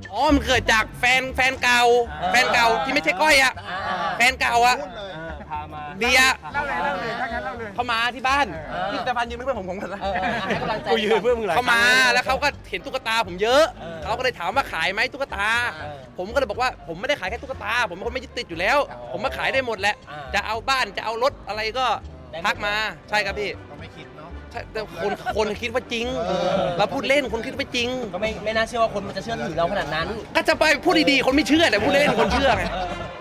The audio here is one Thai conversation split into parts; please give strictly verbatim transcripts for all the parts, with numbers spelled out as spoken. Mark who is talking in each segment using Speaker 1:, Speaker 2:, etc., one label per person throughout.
Speaker 1: อ๋อมันเกิดจากแฟนแฟนเก่าแฟนเก่าที่ไม่ใช่ก้อยอะแฟนเก่าอะ
Speaker 2: พามา
Speaker 1: เบียร์
Speaker 3: เล่าเลยเล่าเลยถ้างั้นเล่าเลย
Speaker 1: เขามาที่บ้านพี่สเตฟานยืนเป็นเพื่อนผมผมกันนะ
Speaker 2: ให้กำลังใจ
Speaker 4: กูยืนเพื่อนมึงหลาย
Speaker 1: เขามาแล้วเขาก็เห็นตุ๊กตาผมเยอะเขาก็เลยถามว่าขายไหมตุ๊กตา ผมก็เลยบอกว่าผมไม่ได้ขายแค่ตุ๊กตาผมเป็นคนไม่ยึดติดอยู่แล้ว ผมมาขายได้หมดแหละจะเอาบ้านจะเอารถอะไรก็ทักมาใช่ครับพี่
Speaker 3: เราไม่คิดเนาะ
Speaker 1: ใช่แต่คนคนคิดว่าจริงเราพูดเล่นคนคิดว่าจริง
Speaker 2: ก็ไม่ไม่น่าเชื่อว่าคนมันจะเชื่อถือเราขนาดนั้น
Speaker 1: ก็จะไปพูดดีๆคนไม่เชื่อแต่พูดเล่นคนเชื่อไง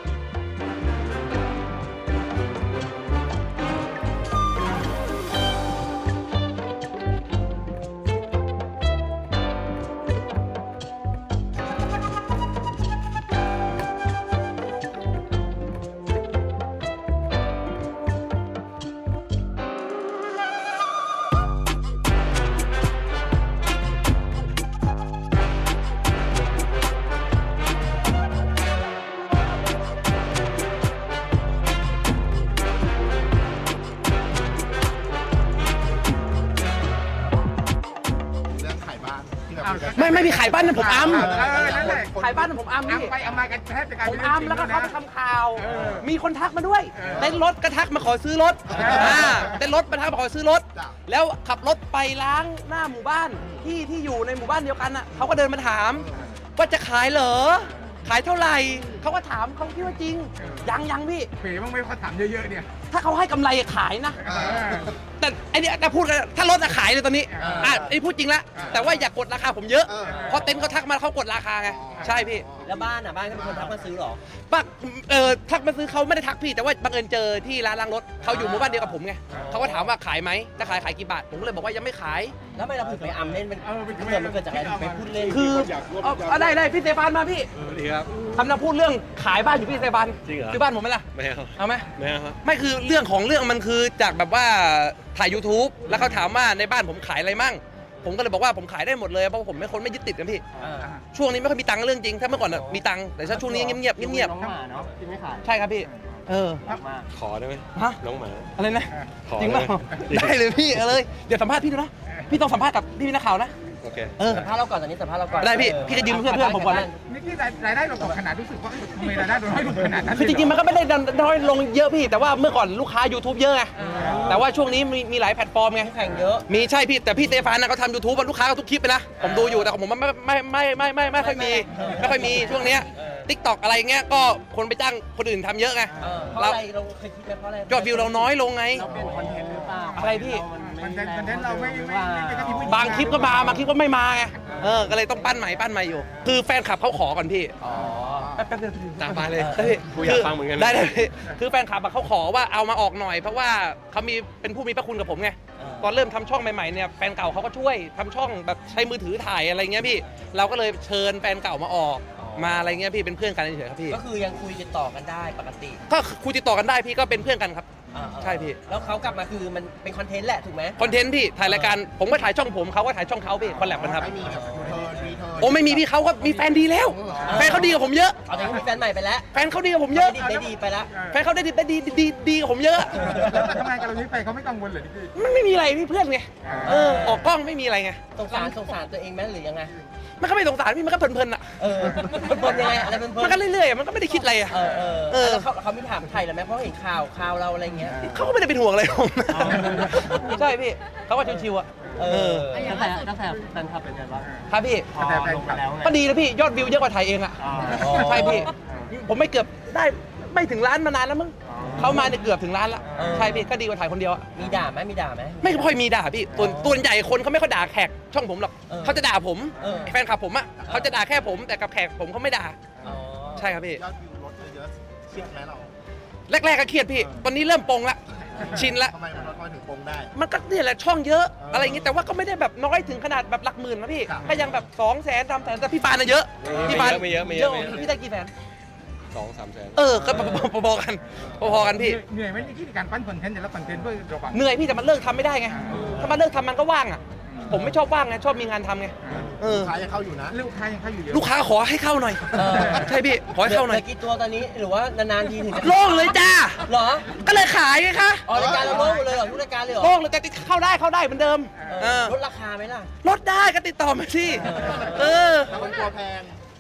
Speaker 3: เรื่องขายบ้านที่แบบ
Speaker 1: ไม่ไม่มีขายบ้านนะผมอัม
Speaker 3: เออนั่นแหละ
Speaker 1: ขายบ้านนะผมอัม
Speaker 3: อัม
Speaker 1: พี่
Speaker 3: ไปอัมมากันแทบจะกลาย
Speaker 1: ผ
Speaker 3: เป็
Speaker 1: ม
Speaker 3: น
Speaker 1: อัมแล้วก็เขาไปทำข่าว
Speaker 3: เออ
Speaker 1: มีคนทักมาด้วย
Speaker 3: เออ
Speaker 1: เต้นรถก็ทักมาขอซื้อรถ
Speaker 3: เอออ่
Speaker 1: อ่าเต้นรถมาทักมาขอซื้อรถ
Speaker 3: จ้ะ
Speaker 1: แล้วขับรถไปล้างหน้าหมู่บ้านที่ที่อยู่ในหมู่บ้านเดียวกันอ่ะเขาก็เดินมาถามว่าจะขายเหรอขายเท่าไหร่เขาก็ถามเขาคิดว่าจริง ยังยังพี่
Speaker 3: เป๋บ้างไหมเขาถามเยอะๆเนี่ย
Speaker 1: ถ้าเขาให้กำไรขายนะ
Speaker 3: เออ
Speaker 1: แต่ไอเนี้ยแต่พูดกันถ้ารถอะขายเลยตอนนี้
Speaker 3: เอออ่
Speaker 1: อ่ะไอพูดจริงละ
Speaker 3: เออ
Speaker 1: แต่ว่าอย่ากกดราคาผมเยอะ
Speaker 3: เออ
Speaker 1: เพราะเต็นท์เขาทักมาเขากดราคาไงใช่พี่
Speaker 2: แล้วบ้านอ่ะบ้านก็เป็นคนทักมาซื้อหรอ
Speaker 1: ปักเออทักมาซื้อเขาไม่ได้ทักพี่แต่ว่าบังเอิญเจอที่ร้านล้างรถเขาอยู่หมู่บ้านเดียวกับผมไงเขาก็ถามว่าขายไหมถ้าขายขายกี่บาทผมก็เลยบอกว่ายังไม่ขาย
Speaker 2: แล้วทำไมเราถึงไปอัมเล่นเป็น
Speaker 3: เออเป็น
Speaker 2: เกิดมันเกิดจากอะไรถึงไปพูดเล่น
Speaker 1: คือเอาเอาได้ได้พี่เซฟานมาพี่
Speaker 4: สวัสดีครับ
Speaker 1: ทำนาพูดเรื่องขายบ้านอยู่พี่เซฟาน
Speaker 4: จริงเหรอ
Speaker 1: ซื้อบ้านผมไหมล่ะ
Speaker 4: ไม่เอา
Speaker 1: เอาไหม
Speaker 4: ไม่เอาครับ
Speaker 1: ไม่คือเรื่องของเรื่องมันคือจากแบบว่าถ่าย YouTube แล้วเขาถามว่าในบ้านผมขายอะไรมั่ง ผมก็เลยบอกว่าผมขายได้หมดเลยเพราะผมเป็นคนไม่ยึดติดกันพี่
Speaker 2: เออ
Speaker 1: ช่วงนี้ไม่ค่อยมีตังค์เรื่องจริงถ้าเมื่อก่อนน่ะมีตังค์แต่ถ้าช่วงนี้เงียบๆเงียบ
Speaker 2: น้องหมาเนาะที่ไม่ขาย
Speaker 1: ๆใช่ครับพี่เออ
Speaker 2: รักมาก
Speaker 4: ขอได้ไหม
Speaker 1: ฮะ
Speaker 4: น้องหมา
Speaker 1: อะไรนะ
Speaker 4: ขอ
Speaker 1: จริงเปล่า
Speaker 4: ได้ไหม
Speaker 1: ได้เลยพี่เอาเลยเดี๋ยวสัมภาษณ์พี่ดูนะพี่ต้องสัมภาษณ์กับพี่นักข่าวนะ
Speaker 4: โอเค
Speaker 1: เออ
Speaker 2: สัมภาษณ์เราก่อนตอนนี้สัมภาษณ์เราก่อน
Speaker 1: ได้พี่พี่ก็ยืมเพื่อนเพื่อนผมก่อนเลย
Speaker 3: นี่ที่รายได้เราตกขนาดรู้สึกว่าเอ้ยทำไมรายได้เราน้อยลงขนาดนั้น
Speaker 1: คือจริงๆมันก็ไม่ได้น้อยลงเยอะพี่ แต่ว่าเมื่อก่อนลูกค้า YouTube เยอะไงแต่ว่าช่วงนี้มีมีหลายแพลตฟอร์มไง
Speaker 2: แข่งเยอะ
Speaker 1: มีใช่พี่แต่พี่เตฟานนะเขาทำยูทูบลูกค้าก็ทุกคลิปไปนะผมดูอยู่แต่ของผมมันไม่ไม่ไม่ไม่ไม่ไม่ค่อยมีไม่ค่อยมีช่วงเนี้ยทิกตอกอะไรเงี้ยก็คนไปจ้างคนอื่นทำเยอะไง
Speaker 2: เออเพราะอะไรเราเคยคิดไหมเพราะอะไร
Speaker 1: ยอดวิวเราน้อยลงไง
Speaker 2: เราเป็นคอนเทนต์หรือเปล่า
Speaker 1: อะไรพี่
Speaker 3: มันเทนต์คอนเทนต์เราไม่ไม่ไม่ไม่กระทิ
Speaker 1: บางคลิปก็มาบางคลิปก็ไม่มาไงเออก็เลยต้องปั้นใหม่ปั้นใหม่อยู่ คือแฟนคลับเขาขอก่อนพี่
Speaker 2: อ๋อ
Speaker 1: แป๊บๆเดียว
Speaker 4: ตามมาเลย
Speaker 1: ได้พี่
Speaker 4: กูอยากฟังเหมือนกัน
Speaker 1: ได้ได้พี่คือแฟนคลับอะเขาขอว่าเอามาออกหน่อย เพราะว่าเขามีเป็นผู้มีพระคุณกับผมไง
Speaker 2: เออ
Speaker 1: ตอนเริ่มทำช่องใหม่ๆเนี่ยแฟนเก่าเขาก็ช่วยทำช่องแบบใช้มือถือถ่ายอะไรเงี้ยพี่ เราก็เลยเชิญแฟนเก่ามาออกมาอะไรเงี้ยพี่เป็นเพื่อนกันเฉยๆครับพี่
Speaker 2: ก็คือยังคุยติดต่อกันได้ปกติ
Speaker 1: ก็คุยติดต่อกันได้พี่ก็เป็นเพื่อนกันครับ
Speaker 2: อ่าๆ
Speaker 1: ใช่พี่
Speaker 2: แล้วเขากลับมาคือมันเป็นคอนเทนต์แหละถูกไหม
Speaker 1: คอนเทนต์พี่ถ่ายรายการผมก็ถ่ายช่องผมเขาก็ถ่ายช่องเขาพี่คอลแลบกันครับ
Speaker 3: ไม่มีแบบเทิร์นรีเทิร์น
Speaker 1: โอ้ไม่มีพี่เขาก็มีแฟนดีแล้ว แฟนเขาดีกับผมเยอะ
Speaker 2: เอาแต่ก็มีแฟนใหม่ไปแล้ว
Speaker 1: แฟนเขาดีกับผมเยอะ
Speaker 2: ได้ดีได้ดีไปแล้ว
Speaker 1: แฟนเขาได้ดีได้ดีดีดีกับผมเยอะ
Speaker 3: แล้วทำไมกับเรานี้ไปเขาไม่กังวลเลยนี่คือ
Speaker 1: มันไม่มีอะไรพี่เพื่อนไงเออออกกล้องไม่มีอะไรไง
Speaker 2: สงสารสงสารตัวเองไหมหรือยังไง
Speaker 1: มันก็ไม่สงสารพี่มันก็เพลินๆอ่ะ
Speaker 2: เออเพลินๆยังไงอะไรเพลินๆ
Speaker 1: มันก็เรื่อยๆอะมันก็ไม่ได้คิดอะไรอ่ะ
Speaker 2: เออเออ
Speaker 1: เออ
Speaker 2: แล้วเขาเขาไม่ถามไทยเหรอไหมเพราะเห็นข่าวข่าวเราอะไรเงี้ย
Speaker 1: เขาก็ไม่ได้เป็นห่วงอะไรผม
Speaker 2: อ๋อ
Speaker 1: ใช่พี่เขาก็ชิวๆอ่ะ
Speaker 2: เอ
Speaker 1: เอ
Speaker 2: อ
Speaker 1: อ
Speaker 2: กระแสกระแสแฟนคลับเป็นไงบ้าง
Speaker 1: ครับพี่
Speaker 3: แต่แฟนคลับ
Speaker 1: ก็ดีนะพี่ยอดวิวเยอะกว่าถ่ายเองอ่ะ
Speaker 2: อ๋อ
Speaker 1: ใช่พี่ ผมไม่เกือบได้ไม่ถึงล้านมานานแล้วมั้งเขามาเนี่ยเกือบถึงล้านละใช่พี่ก็ดีกว่าถ่ายคนเดียวอะ
Speaker 2: มีด่าไหมมีด่าไหม
Speaker 1: ไม่ค่อยมีด่าพี่ตัวตัวใหญ่คนเขาไม่ค่อยด่าแขกช่องผมหรอก
Speaker 2: เออ
Speaker 1: เขาจะด่าผม
Speaker 2: เออ
Speaker 1: แฟนคลับผมอ่ะเขาจะด่าแค่ผมแต่กับแขกผมเขาไม่ด่า
Speaker 2: อ๋อ
Speaker 1: ใช่ครับพี่
Speaker 3: ยอดวิวลดเยอะๆเครียดไหมเรา
Speaker 1: แรกๆก็เครียดพี่ ตอนนี้เริ่มปลงละ ชินละ
Speaker 3: ทำไมมันลดน้อยถึงปงได้
Speaker 1: มันก็เนี่ยแหละช่องเยอะ
Speaker 3: เอออ
Speaker 1: อะไรอย่างงี้แต่ว่าก็ไม่ได้แบบน้อยถึงขนาดแบบหลักหมื่นนะพี่
Speaker 3: ครับ
Speaker 1: ก็ยังแบบสองแสนสามแสนแต่พี่ปานน่ะเยอะ
Speaker 4: ไม่
Speaker 1: พี่ปาน
Speaker 4: เยอะไม่เยอะไม่เยอะไม่เยอะ
Speaker 1: พี่ได้กี่แสน
Speaker 4: สองสามแสน
Speaker 1: เออก็พอๆกันพอๆกันพี่
Speaker 3: เหนื่อยไหมที่การปั้นคอนเทนต์แต่ละคอนเทนต์เพื่อระวัง
Speaker 1: เหนื่อยพี่แต่มันเลิกทำไม่ได้ไง ถ้ามันเลิกทำมันก็ว่างอ่ะ ผมไม่ชอบว่างไงชอบมีงานทำไง เออ
Speaker 3: ลูกค้ายังเข้าอยู่นะลูกค้ายังเข้าอยู่เยอะ
Speaker 1: ลูกค้าขอให้เข้าหน่อย
Speaker 2: เออ
Speaker 1: ใช่พี่ขอให้เข้าหน่อย
Speaker 2: ลืกี่ตัวตอนนี้หรือว่านานๆทีถึงจะ
Speaker 1: โล่งเลยจ้า
Speaker 2: เหรอ
Speaker 1: ก็เลยขายไงคะ
Speaker 2: อ๋อรายการเราโล่งหมดเลยเหรอทุกรายการเลยเหรอ
Speaker 1: โล่งเลยแต่เข้าได้เข้าได้เหมือนเดิม
Speaker 2: เอ
Speaker 1: เอ
Speaker 2: อ
Speaker 1: อ
Speaker 2: ลดราคาไหมล่ะ
Speaker 1: ลดได้ก็ติดต่อมาสิเออ
Speaker 3: แล้วมันกลัวแพง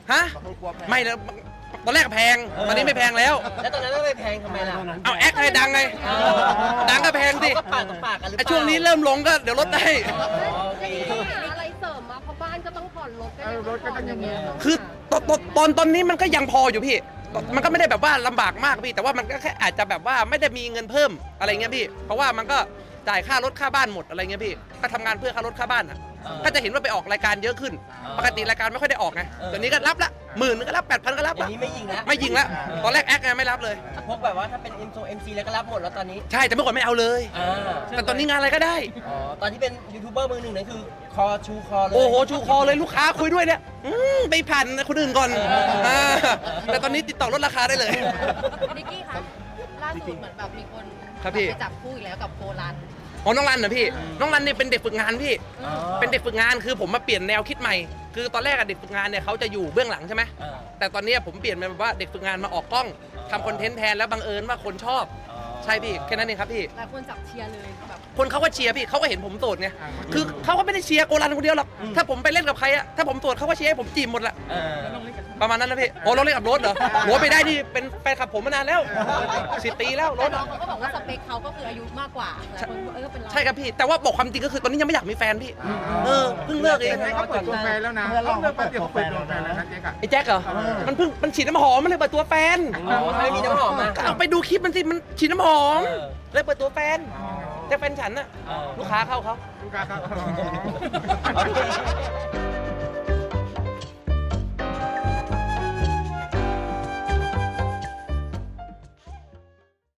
Speaker 1: ฮะไม่แล้วตอนแรกแพงตอนนี้ไม่แพงแล้ว
Speaker 2: แล้วตอนนั้นไม่ไปแพงทำไมล่ะ
Speaker 1: เอาแอคให้ดังไงดังก็แพงสิ
Speaker 2: เขาก็ปากต่อปากกันหรือเป
Speaker 1: ไอ้
Speaker 2: ล่า
Speaker 1: ช่วงนี้เริ่มลงก็เดี๋ยวลดได้
Speaker 2: โอเค
Speaker 5: หาอะไรเสริมมาเพราะบ้านก็ต้องผ่อนรถก็
Speaker 3: เอ
Speaker 5: ยั
Speaker 3: อง รถก็ต้องอย่างเงี้ย
Speaker 1: คือตอนตอนตอนตอนนี้มันก็ยังพออยู่พี่ มันก็ไม่ได้แบบว่าลำบากมากพี่ แต่ว่ามันก็แค่อาจจะแบบว่าไม่ได้มีเงินเพิ่มอะไรเงี้ยพี่ เพราะว่ามันก็จ่ายค่ารถค่าบ้านหมดอะไรเงี้ยพี่ ก็ทำงานเพื่อค่ารถค่าบ้านอ่ะ ก็จะเห็นว่าไปออกรายการเยอะขึ้น ปกติรายการไม่ค่อยได้ออกไงเดี๋ยวนี้ก็รับละหมื่นนึงก็รับแปดพันก็รับ
Speaker 2: อย่า
Speaker 1: ละ
Speaker 2: งนี้ไม่ยิงแล้ว
Speaker 1: ไม่ยิงละตอนแรกแอคไงไม่รับเลย
Speaker 2: พวกแบบว่าถ้าเป็น เอ็ม เอ็ม ซี แล้วก็รับหมดแล้วตอนนี้
Speaker 1: ใช่แต่เมื่อก่อนไม่เอาเลย
Speaker 2: อ่า
Speaker 1: แต่ตอนนี้งานอะไรก็ได้
Speaker 2: อ๋อตอนที่เป็นยูทูบเบอร์มือหนึ่งนั่นคือคอชูคอเลย
Speaker 1: โอ้โหชูคอเลยลูกค้าคุยด้วยเนี่ยอืมไปผ่านคนอื่นก่อนอ่าแต่ตอนนี้ติดต่อลดราคาได้เลย
Speaker 5: นิกกี้คะล่าสุดเหมือนแบบมีคน
Speaker 1: ครับพี่
Speaker 5: ไปจับคู่อีกแล้วกับโกลัน
Speaker 1: อ๋อน้องรันนะพี่ น้องรันเนี่ยเป็นเด็กฝึกงานพี่
Speaker 2: อ๋อ
Speaker 1: เป็นเด็กฝึกงานคือผมมาเปลี่ยนแนวคิดใหม่ คือตอนแรกอะเด็กฝึกงานเนี่ยเขาจะอยู่เบื้องหลังใช่ไหม
Speaker 2: เออ
Speaker 1: แต่ตอนเนี้ยผมเปลี่ยนเป็นแบบว่าเด็กฝึกงานมาออกกล้องทำคอนเทนต์แทนแล้วบังเอิญว่าคนชอบ
Speaker 2: อ๋อ
Speaker 1: ใช่พี่แค่นั้นเองครับพี่
Speaker 5: หลายคนจับเชียร์เลยแบบ
Speaker 1: คนเขาก็เชียร์พี่เขาก็เห็นผมโสดไงคือเขาก็ไม่ได้เชียร์โกลันคนเดียวหรอกถ้าผมไปเล่นกับใครอะถ้าผมโสดเขาก็เชียร์ให้ผมจีบหมดละ
Speaker 2: เออ
Speaker 1: ประมาณนั้นนะพี่โอ้รถเล่นกับรถเหรอโหไปได้นี่เป็นแฟนคลับผมมานานแล้วสิบปีแล้วร
Speaker 5: แต่
Speaker 1: ถ
Speaker 5: น้อ
Speaker 1: อะ
Speaker 5: งเขาก็บอกว่าสเปคเขาก็คืออายุมากกว่าหลายคนเออเป็นเรา
Speaker 1: ใช่ครับพี่ แต่ว่าบอกความจริงก็คือตอนนี้ยังไม่อยากมีแฟนพี่ เออเพิ่งเลิกเอง
Speaker 3: แต่ให้เขาเปิดตัวแฟนแล้วนะเขาเลิกแป๊บเดียวเขาเปิดตัวแฟนแล้วนะเจ๊กอะ
Speaker 1: ไอ้แจ็คเหรอ มันเพิ่งมันฉีดน้ำหอมมันเลยเปิดตัวแฟน
Speaker 2: อ๋อถ้าไม่มีน้ำหอมมา
Speaker 1: ก็เอาไปดูคลิปมันสิมันฉีดน้ำหอม
Speaker 2: เออ
Speaker 1: เลยเปิดตัวแฟนแต่แฟนฉันน่ะ
Speaker 2: เออ
Speaker 1: ลูกค้าเข้าเขา
Speaker 3: ลูกค้าครับ
Speaker 2: โอเค